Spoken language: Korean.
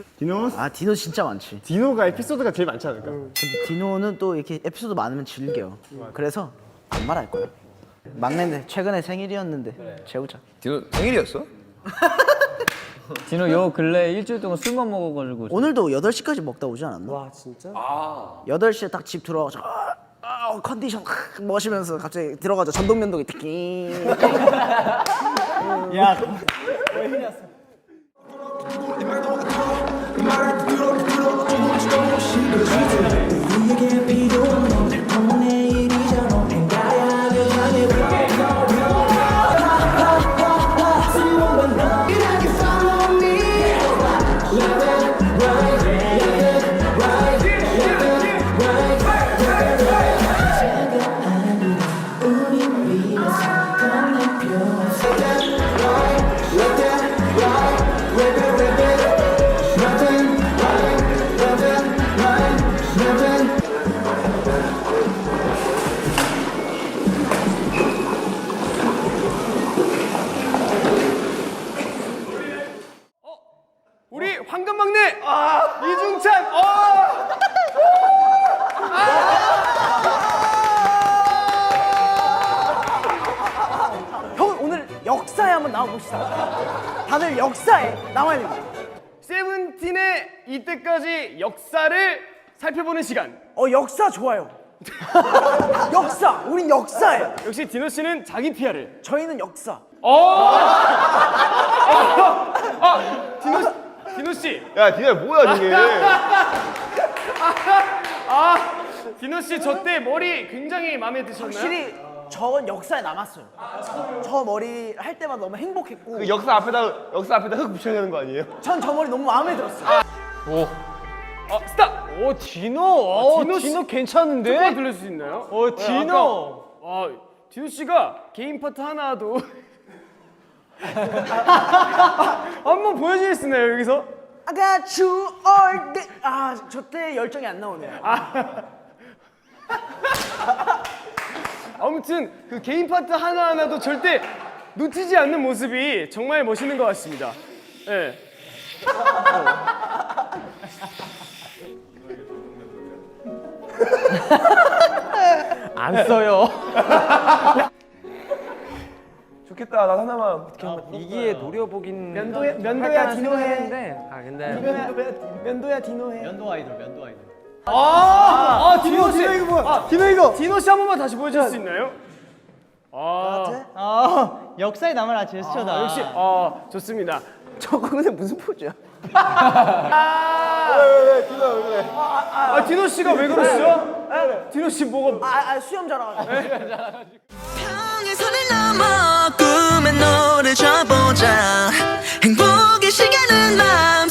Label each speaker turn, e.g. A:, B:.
A: 디노?
B: 아 디노 진짜 많지.
A: 디노가 에피소드가 제일 많지 않을까?
B: 근데 디노는 또 이렇게 에피소드 많으면 즐겨. 그래서 안 말할 거야. 막내인데 최근에 생일이었는데 재우자.
C: 디노 생일이었어?
D: 디노 요 근래 일주일 동안 술만 먹어가지고
B: 오늘도 8시까지 먹다 오지 않았나?
A: 와 진짜?
B: 8시에 딱 집 들어와서 컨디션 멋이면서 갑자기 들어가자 전동면도기 특히.
D: 야
A: 우리 황금 막내 이중찬.
B: 형 오늘 역사에 한번 나와봅시다. 다들 역사에 나와야 됩니다.
A: 세븐틴의 이때까지 역사를 살펴보는 시간.
B: 역사 좋아요. 역사, 우린 역사예요.
A: 역시 디노 씨는 자기 PR을.
B: 저희는 역사.
A: 디노 씨.
C: 야 디노 뭐야 저게?
A: 디노 씨 저 때 머리 굉장히 마음에 드셨나요?
B: 확실히 저건 역사에 남았어요. 저 머리 할 때마다 너무 행복했고
C: 그 역사 앞에다 흙 붙여야 되는 거 아니에요?
B: 전 저 머리 너무 마음에 들었어요.
A: 스탑.
D: 오 디노
A: 디노 씨.
D: 디노 괜찮은데?
A: 조금만 들려줄 수 있나요?
D: 디노
A: 디노 씨가 개인 파트 하나도 한번 보여줄 수 있나요 여기서?
B: I got you all day. 저 때 열정이 안 나오네요.
A: 아무튼 그 개인 파트 하나하나도 절대 놓치지 않는 모습이 정말 멋있는 것 같습니다. 네.
D: 안 써요.
C: 좋겠다 나 하나만.
D: 이기에 노려보긴
B: 면도야 디노해.
D: 했는데
B: 면도야 디노해.
A: 디노 씨.
B: 이거 뭐야? 디노 이거.
A: 디노 씨 한 번만 다시 보여줄 수 있나요?
D: 역사에 남을 제스처다.
A: 역시 좋습니다.
B: 저거 근데 무슨 포즈야?
A: 디노 씨가 왜 그러시죠? 디노 씨 뭐가?
B: 수염 자라가지고.
E: 평행선을 넘어 꿈의 노래 져보자 행복의 시간은 마음